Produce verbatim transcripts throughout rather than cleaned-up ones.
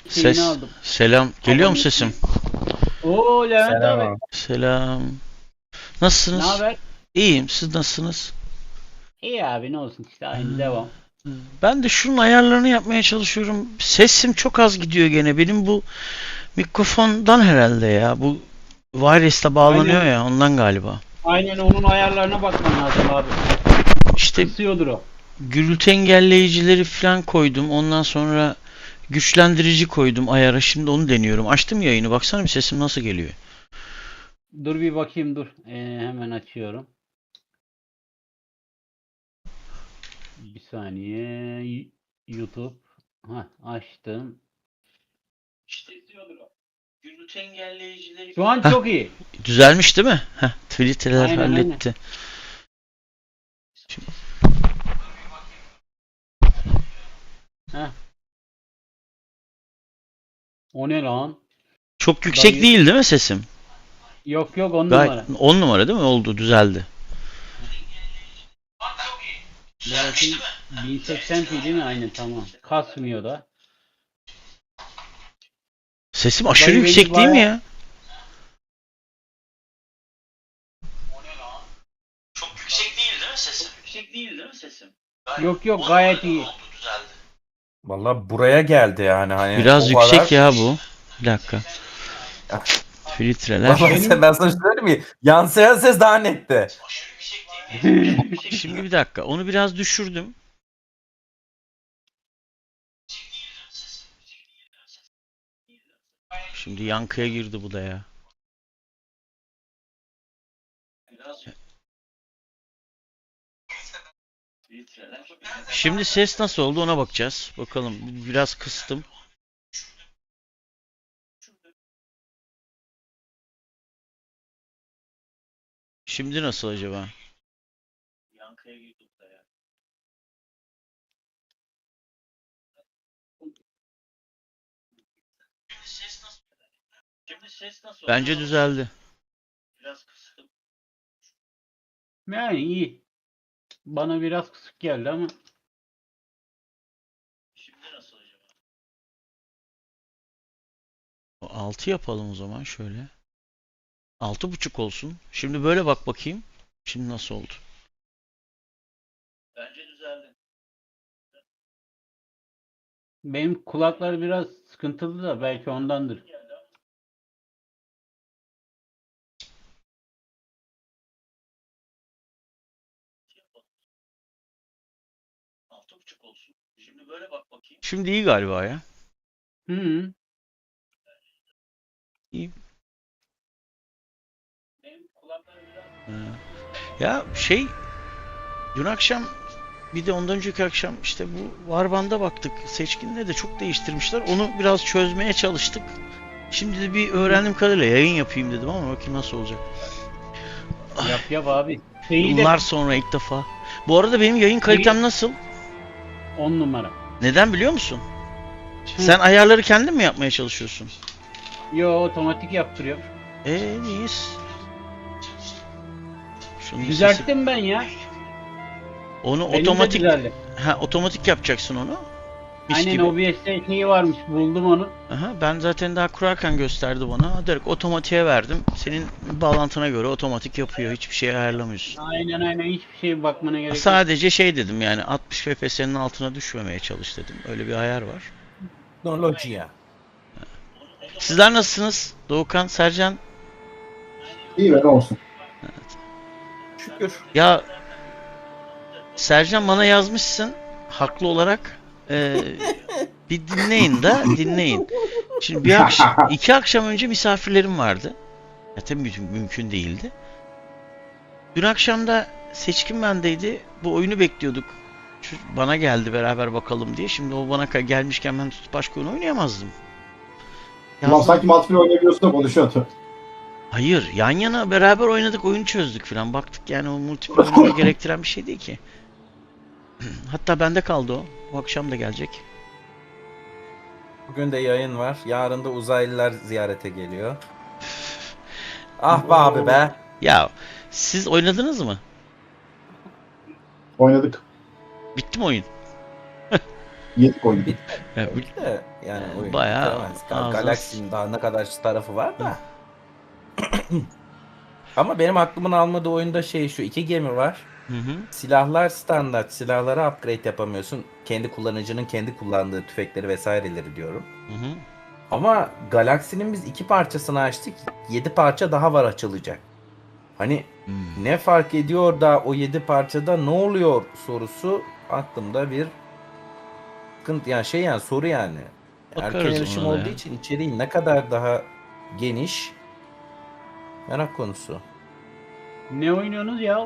Şeyini Ses, aldım. selam. Geliyor mu Abonesini. sesim? Oo Levent Selam abi. abi. Selam. Ne Nasılsınız? haber? İyiyim. Siz nasılsınız? İyi abi ne olsun işte Ha, aynı devam. Ben de şunun ayarlarını yapmaya çalışıyorum. Sesim çok az gidiyor gene. Benim bu mikrofondan herhalde ya. Bu wireless'le bağlanıyor Aynen. ya ondan galiba. Aynen onun ayarlarına bakman lazım abi. İşte Kısıyordur o. gürültü engelleyicileri falan koydum. Ondan sonra güçlendirici koydum ayara. Şimdi onu deniyorum. Açtım yayını. Baksana bir sesim nasıl geliyor. Dur bir bakayım dur. Ee, hemen açıyorum. Bir saniye. Y- YouTube. Hah açtım. İşte izliyordur o. Gürültü engelleyicileri Şu an Heh, çok iyi. düzelmiş değil mi? Heh, filtreler Aynen aynen. halletti. Şimdi, Heh. O ne lan? çok yüksek Dayı. değil değil mi sesim? Yok yok on Gayet numara. on numara değil mi? Oldu, düzeldi. Dur bakayım. bin seksen p değil mi? Aynen tamam. Kasmıyor da. Sesim aşırı Dayı beni yüksek değil mi baya ya? Çok yüksek değil değil mi sesim? Çok yüksek değil değil mi sesim? yok yok gayet iyi. Düzeldi. Valla buraya geldi yani hani Biraz o yüksek kadar. ya bu. Bir dakika. Filtreler. Valla Benim sen, ben sana söyleyeyim mi? Yansıyan ses daha netti. Aşırı yüksek değil mi? Şimdi bir dakika. Onu biraz düşürdüm. Şimdi yankıya girdi bu da ya. Şimdi ses nasıl oldu ona bakacağız. Bakalım biraz kıstım. Şimdi nasıl acaba? Bence düzeldi. yani iyi. Bana biraz kısık geldi ama altı yapalım o zaman şöyle. Altı buçuk olsun. Şimdi böyle bak bakayım. Şimdi nasıl oldu? benim kulaklar biraz sıkıntılı da belki ondandır. Şimdi iyi galiba ya. Hı hı. İyi. Ee, Ya şey dün akşam bir de ondan önceki akşam işte bu Varban'da baktık. Seçkin'de de çok değiştirmişler. Onu biraz çözmeye çalıştık. Şimdi de bir öğrendiğim kadarıyla yayın yapayım dedim ama bakayım nasıl olacak. Yap yap abi. Şeyi de Yıllar sonra ilk defa. Bu arada benim yayın kalitem nasıl? on numara. Neden biliyor musun? Hı. Sen ayarları kendin mi yapmaya çalışıyorsun? Yo otomatik yaptırıyor. Eee iyiyiz. Şunun sesi. Düzelttim ben ya. Onu Benim de otomatik düzeldi. ha otomatik yapacaksın onu. Mis Aynen gibi. O B S'te şeyi varmış buldum onu. Aha, ben zaten daha kurarken gösterdi bana. Direkt otomatiğe verdim. Senin bağlantına göre otomatik yapıyor. Hiçbir şey ayarlamıyorsun. Aynen aynen hiçbir şeye bakmana gerek yok. Sadece şey dedim yani altmış F P S'nin altına düşmemeye çalış dedim. Öyle bir ayar var. Teknolojiye. Sizler nasılsınız? Doğukan, Sercan? İyi be ne olsun. Şükür. Ya Sercan bana yazmışsın haklı olarak. Ee, bir dinleyin de dinleyin. Şimdi bir akşam, iki akşam önce misafirlerim vardı. Ya tabii mümkün, mümkün değildi. Dün akşam da Seçkin bendeydi. Bu oyunu bekliyorduk. Şu bana geldi beraber bakalım diye. Şimdi o bana ka- gelmişken ben tutup başka oyun oynayamazdım. Ulan Yazdım. sanki multiplayer oynayabiliyorsun da konuşuyordu. Hayır, yan yana beraber oynadık, oyunu çözdük falan. Baktık yani o multiplayer oyunu gerektiren bir şey değil ki. Hatta bende kaldı o. Bu akşam da gelecek. Bugün de yayın var. Yarın da uzaylılar ziyarete geliyor. Ah be abi be. Ya siz oynadınız mı? Oynadık. Bitti mi oyun? Yedik oyunu. Bir Ya, bu- Belki de yani Yani oyun bayağı bitiremez. Ga- ağzına Galaxy'nin daha ne kadar tarafı var da. Ama benim aklımın almadığı oyunda şey şu iki gemi var. Hı hı. Silahlar standart. Silahlara upgrade yapamıyorsun. Kendi kullanıcının kendi kullandığı tüfekleri vesaireleri diyorum. Hı hı. Ama Galaxy'nin biz iki parçasını açtık. Yedi parça daha var açılacak. Hani Hmm. ne fark ediyor da o yedi parçada ne oluyor sorusu aklımda bir sıkıntı yani şey yani soru yani. Erken Bakarız erişim ona da olduğu ya. için içeriği ne kadar daha geniş merak konusu. Ne oynuyorsunuz ya?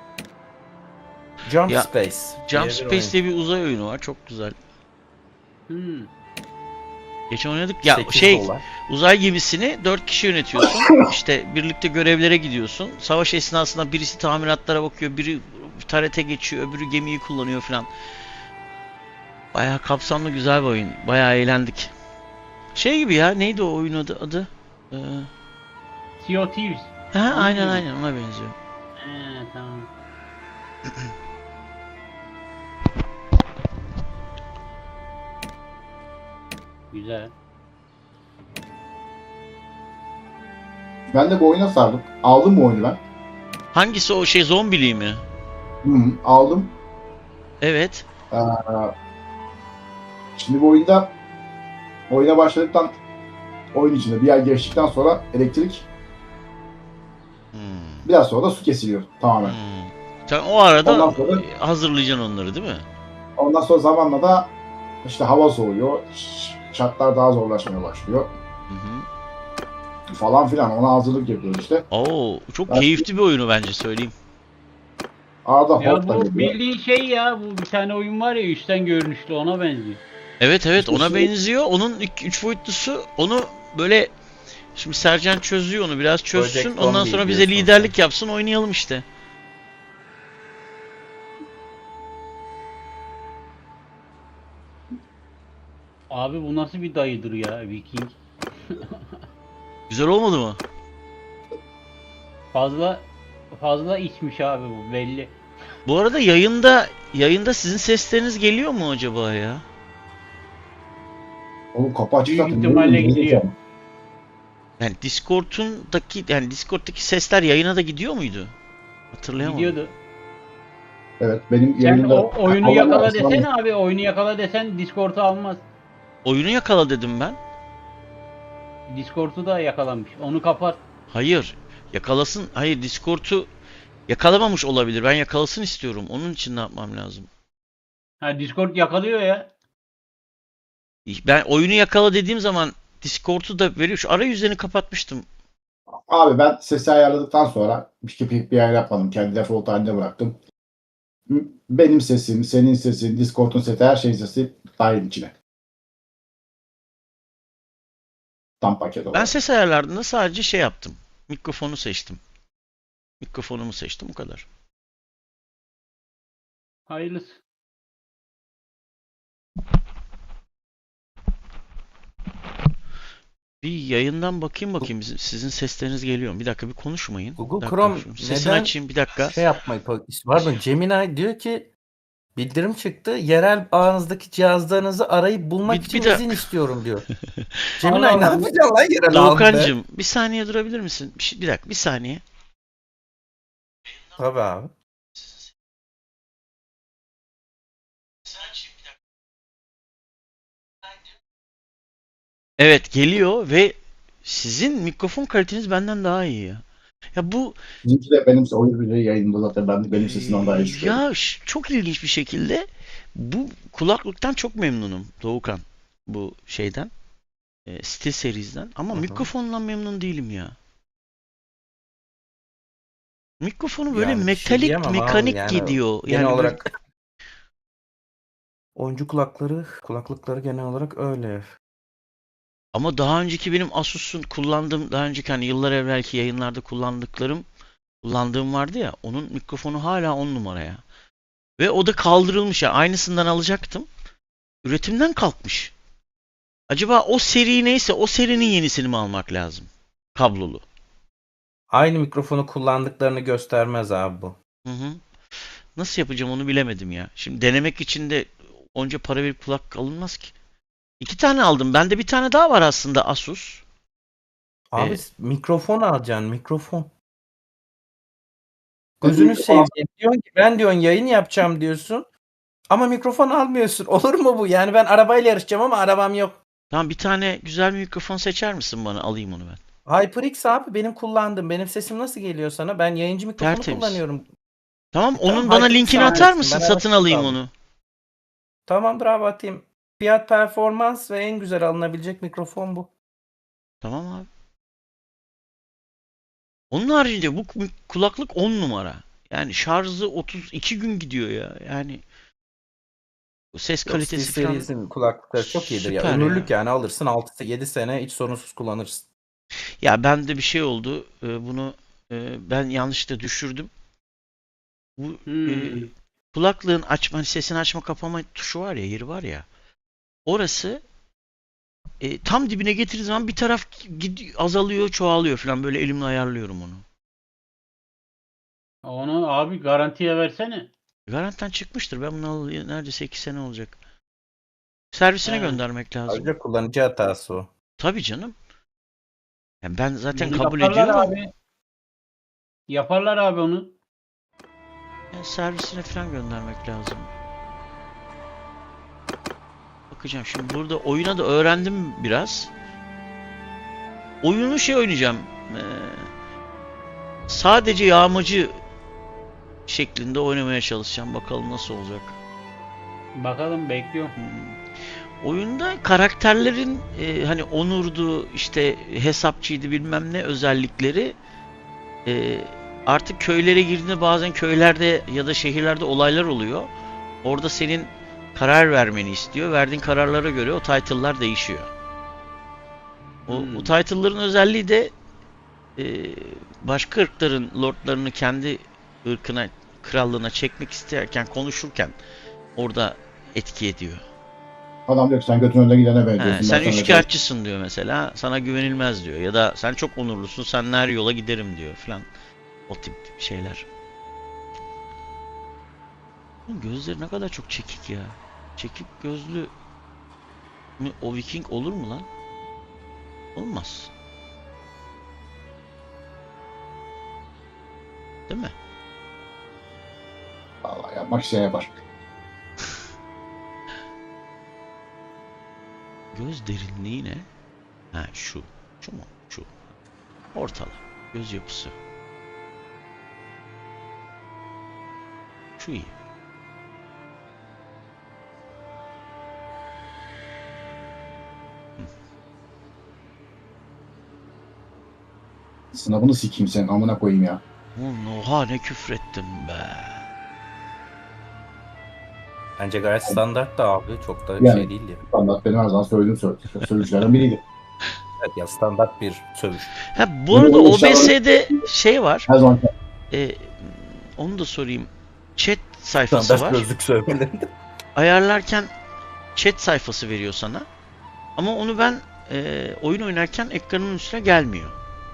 Jump Ya, Space Jump diye bir Space oyun. diye bir uzay oyunu var. Çok güzel. Hmm. Geçen oynadık. Ya sekiz şey dolar. uzay gemisini dört kişi yönetiyorsun. İşte birlikte görevlere gidiyorsun. Savaş esnasında birisi tamiratlara bakıyor, biri tarete geçiyor, öbürü gemiyi kullanıyor falan. Bayağı kapsamlı güzel bir oyun. Bayağı eğlendik. Şey gibi ya, neydi o oyun adı? adı? Ee, Sea of Thieves. ha, Onun aynen gibi. aynen ona benziyor. He tamam. Güzel. Ben de bu oyuna sardım. Aldım bu oyunu ben. Hangisi o şey, zombili mi? Hı hı, aldım. Evet. Ee, şimdi bu oyunda oyuna başladıktan oyun içinde bir yer geçtikten sonra elektrik, Hmm. biraz sonra da su kesiliyor tamamen. Hmm. Sen o arada Ondan sonra- hazırlayacaksın onları değil mi? Ondan sonra zamanla da işte hava soğuyor, ş- şartlar daha zorlaşmaya başlıyor Hı hı. falan filan. Ona hazırlık yapıyoruz işte. Oo, çok Ben- keyifli bir oyunu bence, söyleyeyim. Arada Ya hort da bu geliyor. bildiğin şey ya, bu bir tane oyun var ya, üstten görünüşlü, ona benziyor. Evet evet, İşte ona şimdi- benziyor. Onun ilk üç boyutlusu, onu böyle şimdi Sercan çözüyor, onu biraz çözsün. Project Ondan Zombie sonra bize diyorsun liderlik yapsın, oynayalım işte. Abi bu nasıl bir dayıdır ya, Viking? Güzel olmadı mı? Fazla fazla içmiş abi, bu belli. Bu arada yayında yayında sizin sesleriniz geliyor mu acaba ya? O kapı açık Büyük zaten. ihtimalle Ne bileyim, gidiyor. ne Yani Discord'undaki yani Discord'daki sesler yayına da gidiyor muydu? Hatırlayamadım. Gidiyordu. Evet, benim Sen yayında o oyunu kapalı yakala ama desene abi, oyunu yakala desen Discord'u almaz. Oyunu yakala dedim ben. Discord'u da yakalamış. Onu kapat. Hayır. Yakalasın. Hayır, Discord'u yakalamamış olabilir. Ben yakalasın istiyorum. Onun için ne yapmam lazım? Ha, Discord yakalıyor ya. Ben oyunu yakala dediğim zaman Discord'u da veriyor. Şu arayüzlerini kapatmıştım. Abi ben sesi ayarladıktan sonra bir, bir, bir ayar yapmadım. Kendi default halinde bıraktım. Benim sesim, senin sesin, Discord'un sesi, her şeyin sesi dahil içine. Tam paket Ben olarak. ses ayarlarında sadece şey yaptım. Mikrofonu seçtim. Mikrofonumu seçtim, o kadar. Hayırlısı. Bir yayından bakayım bakayım. Bizim- Sizin sesleriniz geliyor mu? Bir dakika, bir konuşmayın. Google Bir dakika, Chrome şu sesini neden açayım bir dakika. şey yapmayı pardon Gemini diyor ki bildirim çıktı. Yerel ağınızdaki cihazlarınızı arayıp bulmak Bir- için bir de- izin istiyorum diyor. Gemini Allah ne Allah. yapacaksın lan yerel ağında? Doğukancığım, bir saniye durabilir misin? Bir, şey- bir dakika, bir saniye. Tabii abi. Evet, geliyor ve sizin mikrofon kaliteniz benden daha iyi ya. Ya bu Bizimki de benim oyun yayında zaten ben benim sesimden daha iyi çıkıyor. ya ş- çok ilginç bir şekilde bu kulaklıktan çok memnunum Doğukan. Bu şeyden. E, Steel Series'den. Ama Hı hı. mikrofondan memnun değilim ya. Mikrofonu böyle Yani bir şey metalik, diyemem abi, mekanik yani gidiyor. Genel Yani böyle- olarak oyuncu kulakları, kulaklıkları genel olarak öyle. ama daha önceki benim Asus'un kullandığım, daha önceki hani yıllar evvelki yayınlarda kullandıklarım, kullandığım vardı ya, onun mikrofonu hala on numara ya. Ve o da kaldırılmış ya. Aynısından alacaktım. Üretimden kalkmış. Acaba o seri neyse o serinin yenisini mi almak lazım? Kablolu. Aynı mikrofonu kullandıklarını göstermez abi bu. Hı hı. Nasıl yapacağım onu bilemedim ya. Şimdi denemek için de onca para verip kulak alınmaz ki. İki tane aldım. Bende bir tane daha var aslında Asus. Abi Ee, mikrofon alacaksın mikrofon. Gözünü seveyim. Diyorsun ki ben diyorsun yayın yapacağım diyorsun. Ama mikrofon almıyorsun. Olur mu bu? Yani ben arabayla yarışacağım ama arabam yok. Tamam, bir tane güzel bir mikrofon seçer misin bana? Alayım onu ben. HyperX abi benim kullandığım. Benim sesim nasıl geliyor sana? Ben yayıncı mikrofonu Tertemiz. kullanıyorum. Tamam, E, tamam, onun bana HyperX linkini almışsın. atar mısın? Ben Satın arasını alayım aldım. onu. Tamam bravo atayım. Fiyat performans ve en güzel alınabilecek mikrofon bu. Tamam abi. Onun haricinde bu ku- kulaklık on numara. Yani şarjı otuz iki gün gidiyor ya. Yani ses Yok, kalitesi Steel falan Series'in kulaklıkları çok iyidir ya. süper Ömürlük ya. yani alırsın altı yedi sene hiç sorunsuz kullanırsın. Ya bende bir şey oldu. Ee, Bunu e, ben yanlışlıkla düşürdüm. Bu e, Hmm. kulaklığın açma, hani sesini açma kapama tuşu var ya, yeri var ya. Orası e, tam dibine getirdiği zaman bir taraf gidiyor, azalıyor, çoğalıyor falan, böyle elimle ayarlıyorum onu. Onu abi garantiye versene. Garantiden çıkmıştır. Ben bunu alalı neredeyse iki sene olacak. Servisine He. göndermek lazım. Ayrıca kullanıcı hatası o. Tabii canım. Yani ben zaten Onu kabul yaparlar ediyorum. abi. Yaparlar abi onu. Yani servisine falan göndermek lazım. Bakacağım şimdi, burada oyuna da öğrendim biraz. Oyunu şey oynayacağım. Ee, sadece yağmacı şeklinde oynamaya çalışacağım. Bakalım nasıl olacak. Bakalım bekliyorum. Hmm. Oyunda karakterlerin e, hani onurdu, işte hesapçıydı, bilmem ne özellikleri e, artık köylere girdiğinde bazen köylerde ya da şehirlerde olaylar oluyor. Orada senin karar vermeni istiyor. Verdiğin kararlara göre o title'lar değişiyor. O, Hmm. o title'ların özelliği de e, başka ırkların lordlarını kendi ırkına, krallığına çekmek isterken, konuşurken orada etki ediyor. Adam diyor ki sen götün önüne gidene He, benziyorsun. sen Ben sana üçkağıtçısın diyor mesela. Sana güvenilmez diyor. Ya da sen çok onurlusun, sen her yola giderim diyor falan. O tip şeyler. Oğlum, gözleri ne kadar çok çekik ya. Çekik gözlü mü o Viking olur mu lan? Olmaz. Değil mi? vallahi yapmak şey yapar. Göz derinliği ne? Ha, şu. Şu mu? Şu. Ortala. Göz yapısı. Şu iyi. Sınavını sikeyim senin amına koyayım ya. Ulan oha, ne küfrettim be. Bence gayet standart da abi. Çok da Yani. şey değil ya. Standart benim her zaman söylediğim sö- sövüşlerden biriydi. Evet ya standart bir sövüş. Ha, bu arada Bunu O B S'de şey var. Her zaman E, onu da sorayım. Chat sayfası Standart var. gözlük sövmelerinde. Ayarlarken chat sayfası veriyor sana. Ama onu ben e, oyun oynarken ekranın üstüne gelmiyor.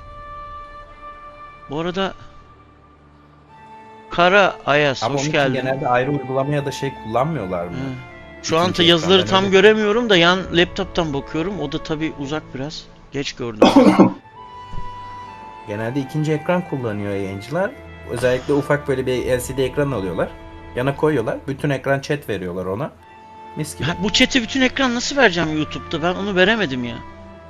Bu arada Kara Ayas, Ama hoş onun için geldin. genelde ayrı uygulama ya da şey kullanmıyorlar mı? Hı. Şu anda İkinci yazıları ekrandan tam öyle. göremiyorum da yan laptop'tan bakıyorum. O da tabii uzak biraz. Geç gördüm. Genelde ikinci ekran kullanıyor yayıncılar. Özellikle ufak böyle bir L C D ekran alıyorlar. Yana koyuyorlar. Bütün ekran chat veriyorlar ona. Mis gibi. Ha, bu chat'i bütün ekran nasıl vereceğim YouTube'da? Ben onu veremedim ya.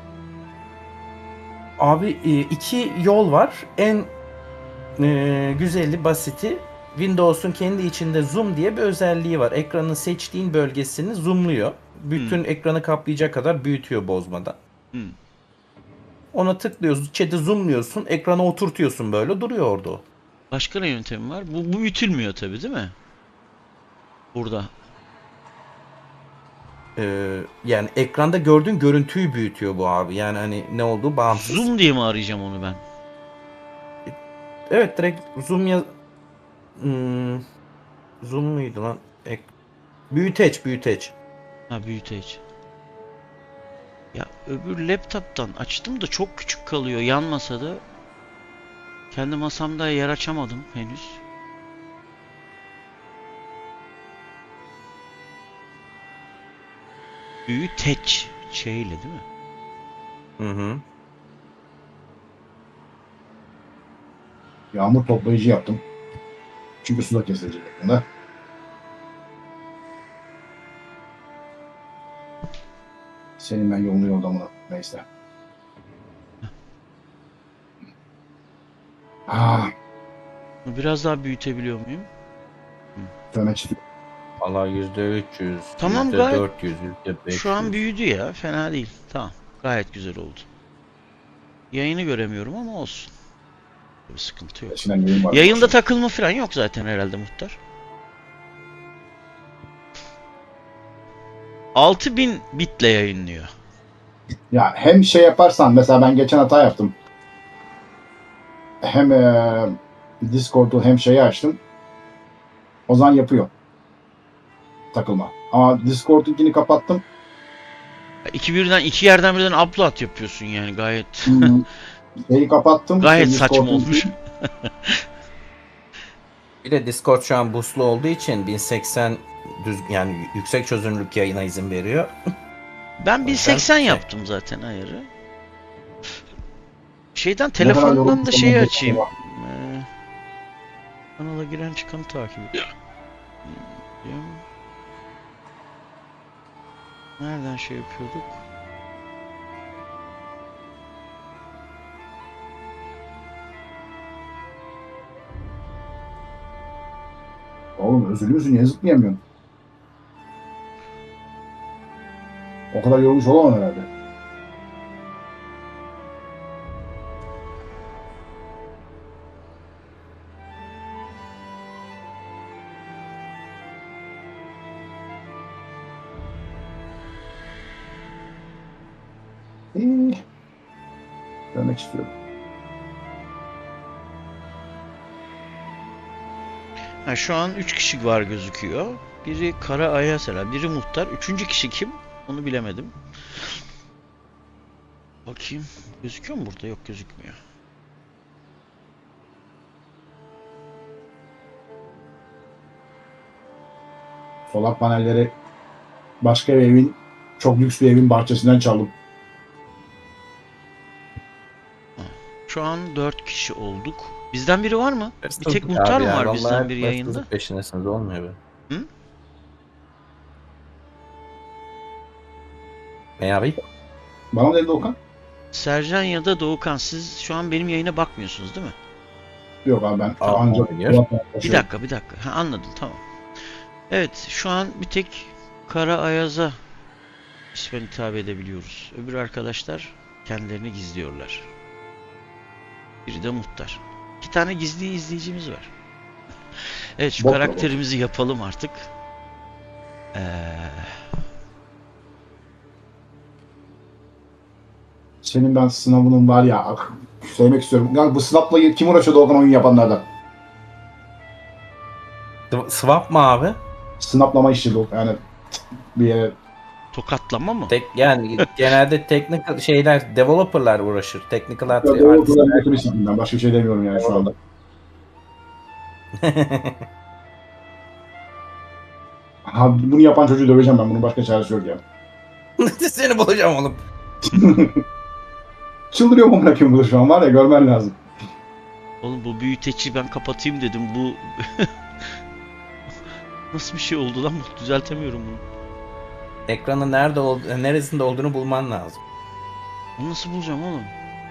Abi e, iki yol var. En e, güzeli, basiti Windows'un kendi içinde zoom diye bir özelliği var. Ekranın seçtiğin bölgesini zoomluyor. Bütün Hmm. ekranı kaplayacak kadar büyütüyor bozmadan. Hmm. Ona tıklıyorsun, chat'i zoomluyorsun, ekrana oturtuyorsun böyle duruyor orada o. Başka ne yöntemi var? Bu, bu büyütülmüyor tabii, değil mi? Burada. Ee, yani ekranda gördüğün görüntüyü büyütüyor bu abi. Yani hani ne olduğu bağımsız. Zoom diye mi arayacağım onu ben? Evet direkt zoom ya... Hmm, zoom muydu lan? Ek... Büyüteç, büyüteç. Ha, büyüteç. Ya öbür laptop'tan açtım da çok küçük kalıyor yan masada. Kendi masamda yer açamadım henüz. Büyü teç şeyle değil mi? Hı hı. Yağmur toplayıcı yaptım. Çünkü su da kesilecek yakında. Senin ben yolunu yordamını. Neyse. Ah, Bunu biraz daha büyütebiliyor muyum? dövmek istiyorum. Valla yüzde üç yüz, Tamam, yüzde gayet- dört yüz, yüzde beş yüz. Şu an büyüdü ya. Fena değil. Tamam. Gayet güzel oldu. Yayını göremiyorum ama olsun. Bir sıkıntı yok. Eskiden yayın vardı. Yayında takılma falan yok zaten herhalde muhtar. altı bin bitle yayınlıyor. Ya hem şey yaparsan mesela ben geçen hata yaptım. Hem eee Discord'u hem şeyi açtım. O zaman yapıyor. Takılma. Ama Discord'unkini kapattım. İki birden iki yerden birden upload yapıyorsun yani gayet Hmm, Şeyi kapattım. gayet Şey, saçma Discord'unkini- olmuş. Bir de Discord şu an boostlu olduğu için bin seksen düz yani yüksek çözünürlük yayına izin veriyor. Ben bin seksen şey- yaptım zaten ayarı. Şeyden Ne kadar telefondan yorum da şeyi yapamam açayım. acaba? Ee, kanala giren çıkanı takip ediyorum. Nereden şey yapıyorduk? Oğlum özür müsün? Niye zıplayamıyorsun? O kadar yorulmuş olamam herhalde. İyi. Görmek istiyorum. Ha, şu an üç kişi var gözüküyor. Biri Kara Ayasela, biri Muhtar. Üçüncü kişi kim? Onu bilemedim. Bakayım. Gözüküyor mu burada? Yok, gözükmüyor. Solar panelleri başka bir evin, çok lüks bir evin bahçesinden çaldım. Şu an dört kişi olduk. Bizden biri var mı? Bir tek Abi Muhtar mı ya, var vallahi bizden hep biri hırsızlık yayında? peşindesiniz, olmuyor be. Hı? Ne abi? Bana mı dedi Okan? Sercan ya da Doğukan, siz şu an benim yayına bakmıyorsunuz değil mi? Yok abi ben Aa, ancak oynuyor. Bir dakika, bir dakika. Ha, anladım, tamam. Evet, şu an bir tek Kara Ayaz'a ismen hitap edebiliyoruz. Öbür arkadaşlar kendilerini gizliyorlar. Biri de Muhtar. İki tane gizli izleyicimiz var. Evet, şu Bot karakterimizi yapalım artık. Ee, Senin ben sınavının var ya, ak- söylemek istiyorum. Yani bu sınavla kim uğraşıyordu Okan, oyun yapanlardan? Swap mı abi? Sınaplama işi bu. Yani bir yere tokatlama mı? Tek, yani genelde technical şeyler, developerlar uğraşır. Technical art, Ya doğru artist. kadar götünü sikeyim ben. Başka bir şey demiyorum yani şu anda. Ha, bunu yapan çocuğu döveceğim ben. Bunun başka çaresi yok ya. Seni bulacağım oğlum. Çıldırıyor mu bırakıyorum bunu şu an, var ya, görmen lazım. Oğlum, bu büyüteci ben kapatayım dedim. Bu nasıl bir şey oldu lan? Bu düzeltemiyorum bunu. Ekranın nerede ol, neresinde olduğunu bulman lazım. Bunu nasıl bulacağım oğlum?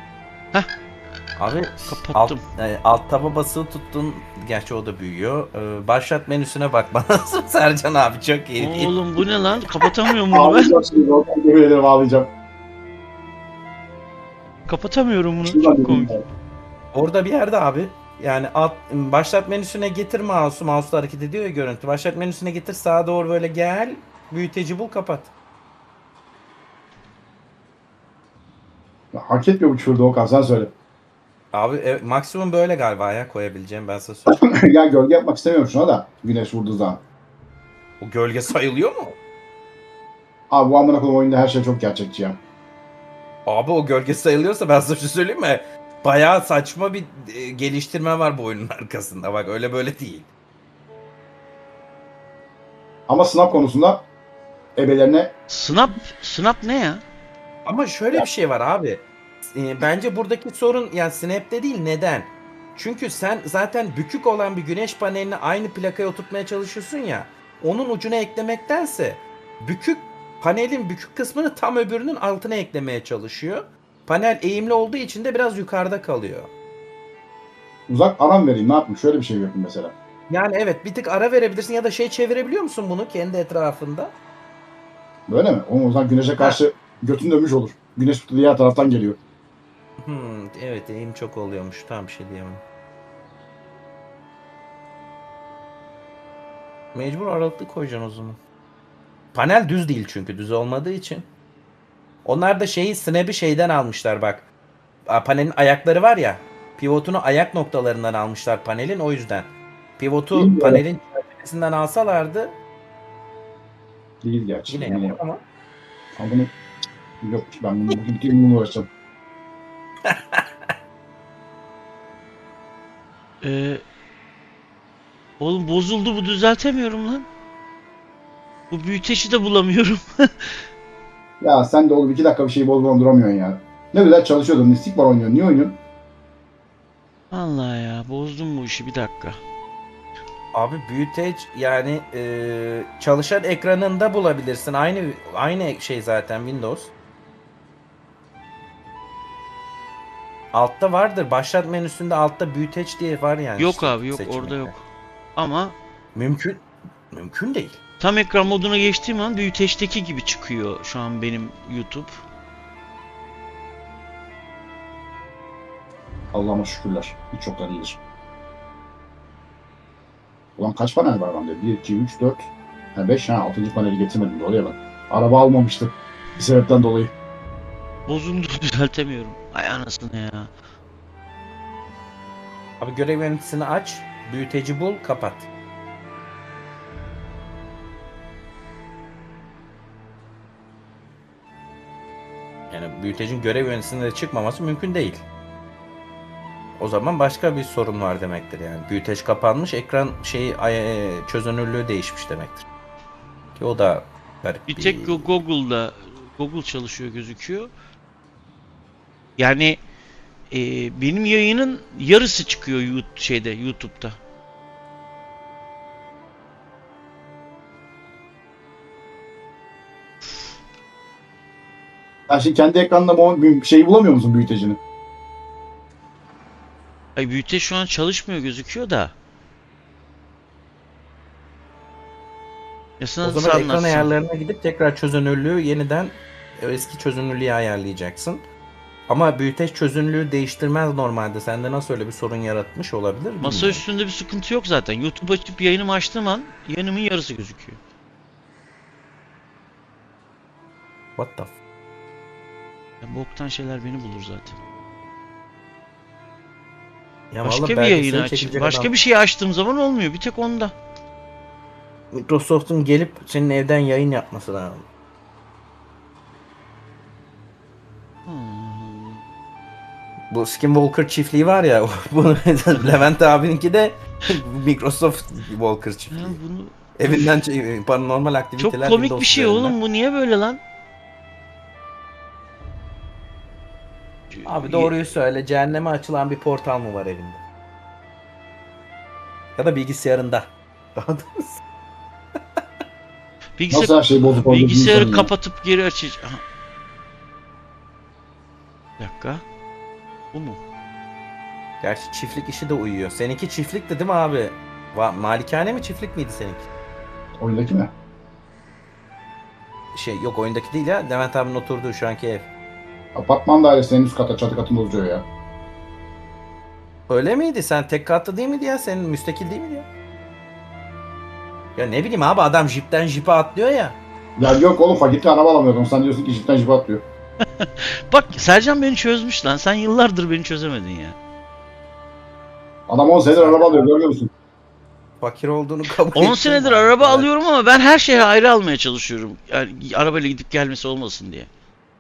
Abi Kapattım. Alt, e, alt taba basılı tuttun. Gerçi o da büyüyor. Ee, başlat menüsüne bak bana. Sercan abi çok iyi. Oğlum bu ne lan? Kapatamıyorum bunu ben. Ağlayacağım şimdi. Okan, yemin ederim ağlayacağım. Kapatamıyorum bunu. Şuradan Çok dedim komik. ya. Orada bir yerde abi. Yani alt, başlat menüsüne getir mouse'u. Mouse'la hareket ediyor ya görüntü. Başlat menüsüne getir, sağa doğru böyle gel. Büyüteci bul, kapat. Ya, hak etmiyor bu küfürde Okan, sen söyle. Abi e, maksimum böyle galiba ya koyabileceğim, ben size söyleyeyim. Ya gölge yapmak istemiyorum şuna da. Güneş vurduğu zaman. O gölge sayılıyor mu? Abi bu amına koyayım oyunda her şey çok gerçekçi ya. Abi o gölge sayılıyorsa ben size bir şey söyleyeyim mi? Bayağı saçma bir e, geliştirme var bu oyunun arkasında. Bak öyle böyle değil. Ama sınav konusunda ebelerine Snap, snap ne ya? Ama şöyle bir şey var abi. Ee, bence buradaki sorun yani Snap'te değil, neden? Çünkü sen zaten bükük olan bir güneş panelini aynı plakaya oturtmaya çalışıyorsun ya. Onun ucuna eklemektense bükük panelin bükük kısmını tam öbürünün altına eklemeye çalışıyor. Panel eğimli olduğu için de biraz yukarıda kalıyor. uzak aram vereyim. Ne yapayım? Şöyle bir şey yapayım mesela. Yani evet, bir tık ara verebilirsin ya da şey çevirebiliyor musun bunu kendi etrafında? Böyle mi? O zaman güneşe karşı götün dönmüş olur. Güneş diğer taraftan geliyor. Hmm, evet, eğim çok oluyormuş. Tam bir şey diyemem. Mecbur aralıklı koyacaksın o zaman. Panel düz değil çünkü, düz olmadığı için. Onlar da şeyi, snap'i şeyden almışlar bak. A, Panelin ayakları var ya. Pivotunu ayak noktalarından almışlar panelin, o yüzden. Pivotu Değil mi? panelin çerçevesinden alsalardı Değil gerçi. yine Yine yapar ama. Ama bunu yok, ben bunu bugün bütün gün uğraşacağım. Ee, oğlum bozuldu bu, düzeltemiyorum lan. Bu büyüteçi de bulamıyorum. Ya sen de oğlum iki dakika bir şeyi bozmadan duramıyorsun ya. Ne güzel çalışıyordun. Mistik var oynuyorsun. Niye oynuyorsun? Allah ya, bozdum bu işi, bir dakika. Abi büyüteç yani e, çalışan ekranında bulabilirsin. Aynı aynı şey zaten Windows. Altta vardır. Başlat menüsünde altta büyüteç diye var yani. Yok işte abi, yok, seçenekler. orada yok. Ama Mümkün. Mümkün değil. tam ekran moduna geçtiğim an büyüteçteki gibi çıkıyor şu an benim YouTube. Allah'ıma şükürler. Hiç çoktan iyidir. Ulan kaç panel var bende? bir, iki, üç, dört, beş. Ha, altıncı paneli getirmedim. Doğruya bak. Araba almamıştım. Bir sebepten dolayı. Bozuldu, düzeltemiyorum. Ay anasını ya. Abi görev yöneticisini aç. Büyüteci bul, kapat. Yani büyütecin görev yöneticisinde çıkmaması mümkün değil. O zaman başka bir sorun var demektir yani. Büyüteç kapanmış, ekran şeyi ay- çözünürlüğü değişmiş demektir. Ki o da garip Bir tek Go- Google'da Google çalışıyor gözüküyor. Yani e, benim yayının yarısı çıkıyor YouTube, şeyde YouTube'da. Sen şimdi kendi ekranında bu bir şeyi bulamıyor musun, büyütecini? Ay büyüteç şu an çalışmıyor gözüküyor da. Ya sana O zaman nasıl ekran anlatsam? ayarlarına gidip tekrar çözünürlüğü yeniden eski çözünürlüğe ayarlayacaksın. Ama büyüteç çözünürlüğü değiştirmez normalde. Sende nasıl öyle bir sorun yaratmış olabilir bilmiyorum. Masa üstünde bir sıkıntı yok zaten. YouTube açıp yayınımı açtığım an yayınımın yarısı gözüküyor. What the f- Ya boktan şeyler beni bulur zaten. Ya Başka vallahi bir belgeseli yayını aç. çekecek Başka adam- bir şey açtığım zaman olmuyor. Bir tek onda. Microsoft'un gelip senin evden yayın yapması lazım. Hmm. Bu Skinwalker çiftliği var ya, bunu Levent abininki de Microsoft Walker Ya çiftliği. bunu Evinden ç- paranormal çok aktiviteler komik Windows bir şey üzerinden. oğlum, bu niye böyle lan? Abi doğruyu söyle, cehenneme açılan bir portal mı var evinde? Ya da bilgisayarında. Daha doğrusu. Bilgisayar, Nasıl her şey bozuk oldu bilgisayarı bilmiyorum ya. kapatıp geri açacağım. Aha. Bir dakika. Bu mu? Gerçi çiftlik işi de uyuyor. Seninki çiftlikti değil mi abi? Va- Malikane mi, çiftlik miydi seninki? Oyundaki mi? Şey yok, oyundaki değil ya. Levent abinin oturduğu şu anki ev. Apartman dairesinin üst kata, çatı katında oturuyor ya. Öyle miydi? Sen tek katlı değil miydi ya? Senin müstakil değil miydi ya? Ya ne bileyim abi, adam jipten jipe atlıyor ya. Ya yok oğlum, fakirlikle araba alamıyordum. Sen diyorsun ki jipten jipe atlıyor. Bak Sercan beni çözmüş lan. Sen yıllardır beni çözemedin ya. Adam on senedir araba alıyor, görmüyor musun? Fakir olduğunu kabul on ettim. senedir araba alıyorum ama ben her şeye ayrı almaya çalışıyorum. Yani arabayla gidip gelmesi olmasın diye.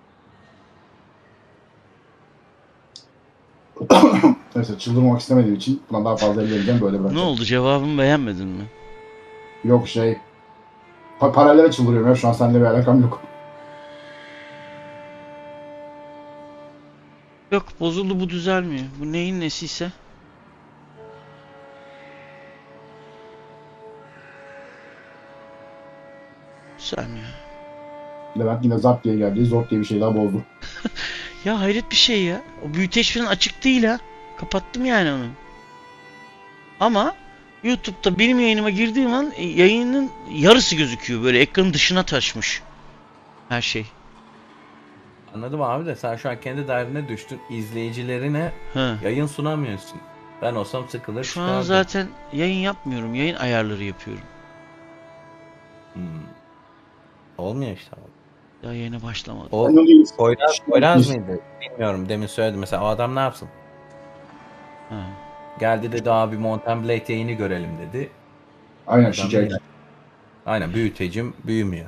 Neyse, çıldırmamak istemediğim için buna daha fazla ellemeyeceğim, böyle Ne bırakacağım. oldu, cevabımı beğenmedin mi? Yok şey, Pa paralele çıldırıyorum ya. Şu an seninle bir alakam yok. Yok bozuldu bu düzelmiyor. Bu neyin nesiyse. Düzelmiyor. Levent yine zap diye geldi. Zor diye bir şey daha bozdu. Ya hayret bir şey ya. O büyüteç falan açık değil ha. Kapattım yani onu. Ama YouTube'da benim yayınıma girdiğim an e, yayının yarısı gözüküyor. Böyle ekranın dışına taşmış. Her şey. Anladım abi de sen şu an kendi derdine düştün. İzleyicilerine Ha. yayın sunamıyorsun. Ben olsam sıkılır Şu an çıkardım. zaten yayın yapmıyorum. Yayın ayarları yapıyorum. Hmm. Olmuyor işte abi. Daha yayına başlamadım. O Onun değil. Poyraz, Poyraz mıydı? Bilmiyorum, demin söyledim. Mesela o adam ne yapsın? Ha. Geldi dedi abi Mountain Blade yayını görelim dedi. Aynen Adam şikayet. yine- Aynen büyütecim büyümüyor.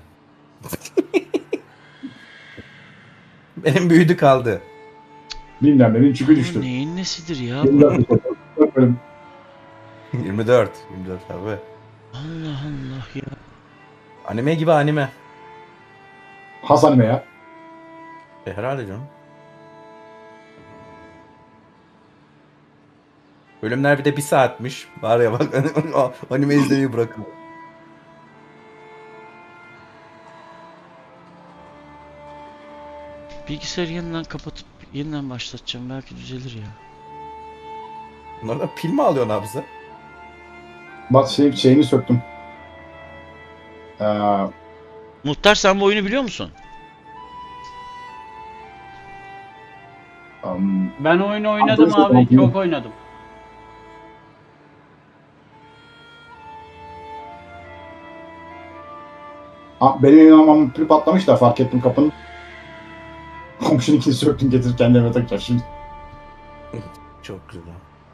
Benim büyüdü kaldı. Bilmem nenin çükü Bu düştü. neyin nesidir ya? yirmi Bu? dört bölüm. yirmi dört. yirmi dört abi. Allah Allah ya. Anime gibi anime. Has anime ya. E, herhalde canım. Bölümler bir de bir saatmiş. Var ya bak anime izlemeyi bırakın. Bilgisayarı yeniden kapatıp yeniden başlatacağım. Belki düzelir ya. Bunlardan pil mi alıyorsun abi sen? Bak şey, şeyini söktüm. Ee, Muhtar sen bu oyunu biliyor musun? um, Ben oyunu oynadım Android abi. oyunu. Çok oynadım. ha, benim inanmamın pili patlamış da fark ettim kapının. Komşununkini söktüm getirip kendime takacağım şimdi. Çok güzel.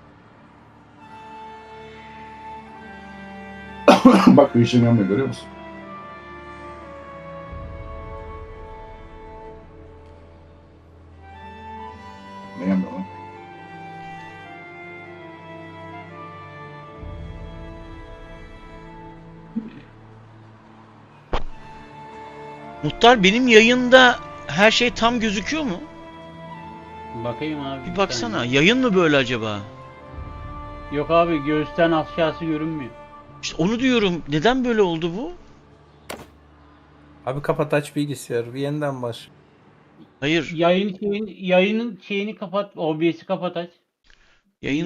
Bak bir işim yanmıyor görüyor musun? Ne yanmıyor lan? Muhtar benim yayında her şey tam gözüküyor mu? Bakayım abi. Bir baksana. saniye. Yayın mı böyle acaba? Yok abi göğüsten aşağısı görünmüyor. İşte onu diyorum. Neden böyle oldu bu? Abi kapat aç bilgisayarı. Bir yeniden baş. Hayır. Yayın şeyin, yayının şeyini kapat. O B S'i kapat aç. Yayın